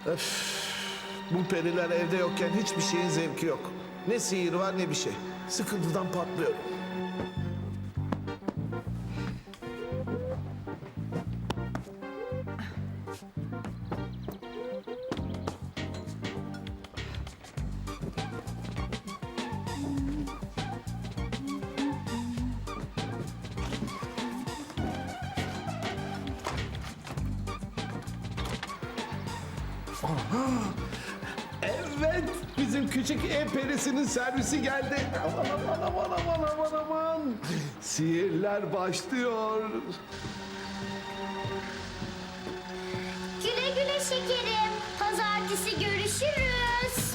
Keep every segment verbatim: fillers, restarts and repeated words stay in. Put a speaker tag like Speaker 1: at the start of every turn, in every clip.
Speaker 1: Öf, bu periler evde yokken hiçbir şeyin zevki yok. Ne sihir var ne bir şey. Sıkıntıdan patlıyorum. Evet, bizim küçük ev perisinin servisi geldi. Aman aman aman aman aman aman. Sihirler başlıyor.
Speaker 2: Güle güle şekerim. Pazartesi görüşürüz.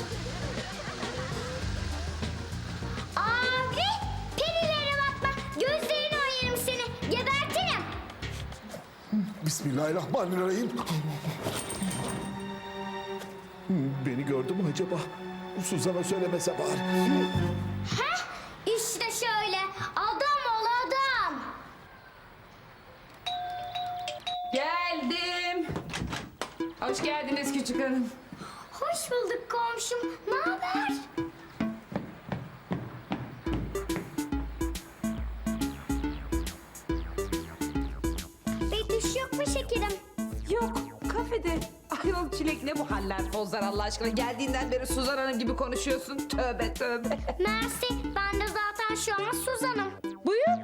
Speaker 2: Abi, perilere bakma. Gözlerini ayırırım seni. Gebertirim.
Speaker 1: Bismillahirrahmanirrahim. Beni gördü mü acaba? Suzan'a söylemese bari.
Speaker 2: Heh, işte şöyle. Adam ol adam.
Speaker 3: Geldim. Hoş geldiniz küçük hanım.
Speaker 2: Hoş bulduk komşum. Ne haber? Betüş yok mu şekerim?
Speaker 3: Yok, kafede. Ayol Çilek ne bu haller pozlar Allah aşkına. Geldiğinden beri Suzan Hanım gibi konuşuyorsun. Tövbe tövbe.
Speaker 2: Mersi. Ben de zaten şu an Suzan'ım.
Speaker 3: Buyur.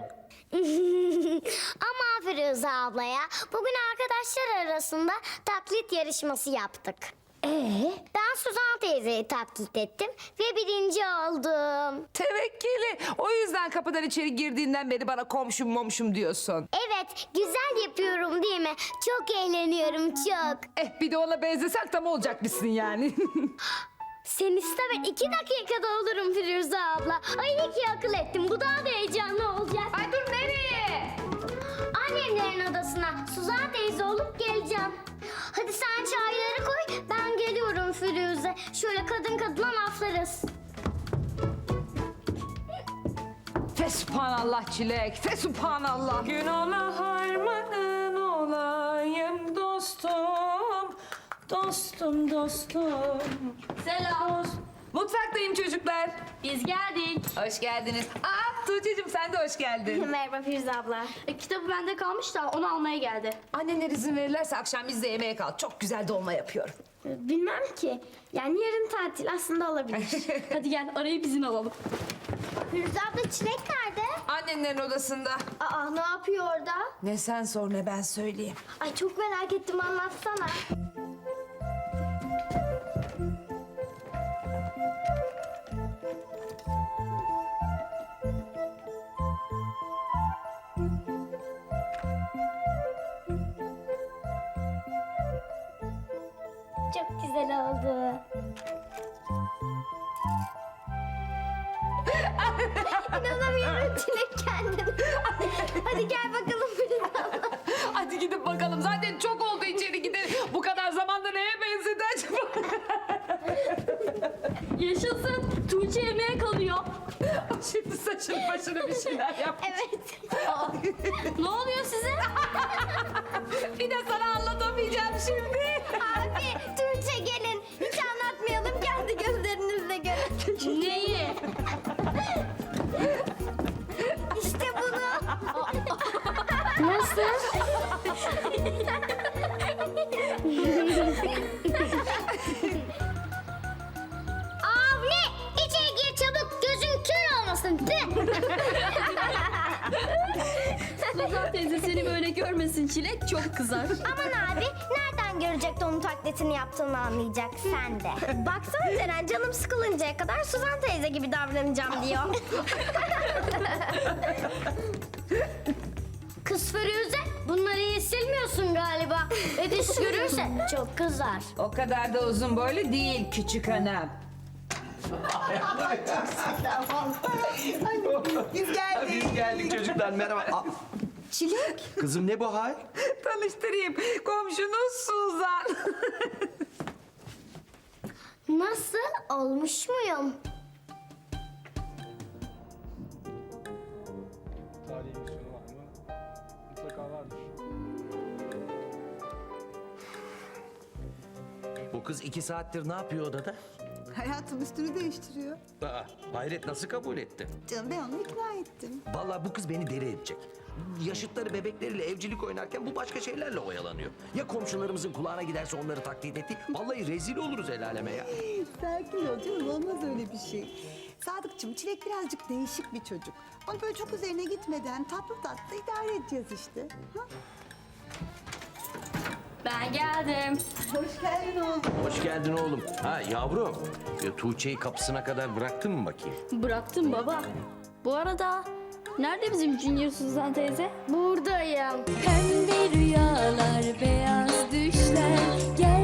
Speaker 2: Ama Firuze ablaya bugün arkadaşlar arasında taklit yarışması yaptık. Ee? Ben Suzan teyzeyi taklit ettim ve birinci oldum.
Speaker 3: Tevekkili. O yüzden kapıdan içeri girdiğinden beri bana komşum momşum diyorsun.
Speaker 2: Evet, güzel yapıyorum değil mi? Çok eğleniyorum, çok.
Speaker 3: Eh bir de ona benzesek tam olacakmışsın yani.
Speaker 2: Sen iste ben iki dakikada olurum Firuze abla. Ay ne ki akıl ettim, bu daha da heyecanlı olacak.
Speaker 3: Ay dur nereye?
Speaker 2: Annemlerin odasına Suzan teyze olup geleceğim. Hadi sen çayları koy, ben geliyorum Firuze. Şöyle kadın kadına laflarız.
Speaker 3: Fesubhanallah Çilek. Fesubhanallah.
Speaker 4: Günahına harmanın olayım dostum. Dostum dostum.
Speaker 3: Selam. Mutfaktayım çocuklar.
Speaker 4: Biz geldik.
Speaker 3: Hoş geldiniz. Aa Tuğçe'cim sen de hoş geldin.
Speaker 2: Merhaba Firuze abla.
Speaker 4: E, kitabı bende kalmış da onu almaya geldi.
Speaker 3: Anneler izin verirlerse akşam biz de yemeğe kal. Çok güzel dolma yapıyorum.
Speaker 4: Bilmem ki. Yani yarın tatil aslında olabilir. Hadi gel arayıp izin alalım.
Speaker 2: Firuze abla Çilek nerede?
Speaker 3: Annenlerin odasında.
Speaker 2: Aa ne yapıyor orada?
Speaker 3: Ne sen sor ne ben söyleyeyim.
Speaker 2: Ay çok merak ettim, anlatsana. Çok güzel oldu. İnanamıyorum Çilek kendini. Hadi gel bakalım Firuze abla.
Speaker 3: Hadi gidip bakalım. Zaten çok oldu içeri gidelim. Bu kadar zamanda neye benzedi acaba?
Speaker 4: Yaşasın. Tuğçe yemeğe kalıyor.
Speaker 3: Şimdi saçını başını bir şeyler yap.
Speaker 2: Evet.
Speaker 4: Ne oluyor size?
Speaker 3: Bir de sana anlatamayacağım şimdi.
Speaker 2: Abi Tuğçe gelin. Hiç anlatmayalım, kendi gözlerinizle görün.
Speaker 4: Neyi?
Speaker 2: İşte bunu.
Speaker 4: Nasıl?
Speaker 2: Avni içeri gir çabuk, gözün kör olmasın. Tüh.
Speaker 4: Suzan teyze seni böyle görmesin Çilek çok kızar.
Speaker 2: Aman abi, nereden görecek de onun taklitini yaptığını anlayacak, sen de. Baksana Ceren, canım sıkılıncaya kadar Suzan teyze gibi davranacağım diyor. Kız Firuze, bunları iyi silmiyorsun galiba. Ödüş görürse çok kızar.
Speaker 3: O kadar da uzun boylu değil küçük hanım.
Speaker 5: Biz geldik. Biz geldik çocuklar merhaba. Aa,
Speaker 2: Çilek.
Speaker 5: kızım ne bu hal?
Speaker 3: Tanıştırayım. Komşunuz Suzan.
Speaker 2: Nasıl, olmuş muyum?
Speaker 6: Tarihi misyonu var mı? Mutlaka vardır.
Speaker 7: Bu kız iki saattir ne yapıyor odada?
Speaker 8: Hayatım üstünü değiştiriyor.
Speaker 7: Aa, hayret nasıl kabul etti?
Speaker 8: Canım ben onu ikna ettim.
Speaker 7: Vallahi bu kız beni deli edecek. Yaşıtları bebekleriyle evcilik oynarken bu başka şeylerle oyalanıyor. Ya komşularımızın kulağına giderse onları taklit etti? Vallahi rezil oluruz el aleme ya.
Speaker 8: Sakin ol canım, olmaz öyle bir şey. Sadıkçım, Çilek birazcık değişik bir çocuk. Onu böyle çok üzerine gitmeden tatlı tatlı idare edeceğiz işte. Ha?
Speaker 4: Ben geldim.
Speaker 8: Hoş geldin oğlum.
Speaker 7: Hoş geldin oğlum. Ha yavrum, ya, Tuğçe'yi kapısına kadar bıraktın mı bakayım?
Speaker 4: Bıraktım baba. Bu arada nerede bizim Junior Suzan teyze?
Speaker 2: Buradayım.
Speaker 9: Pembe rüyalar, beyaz düşler gel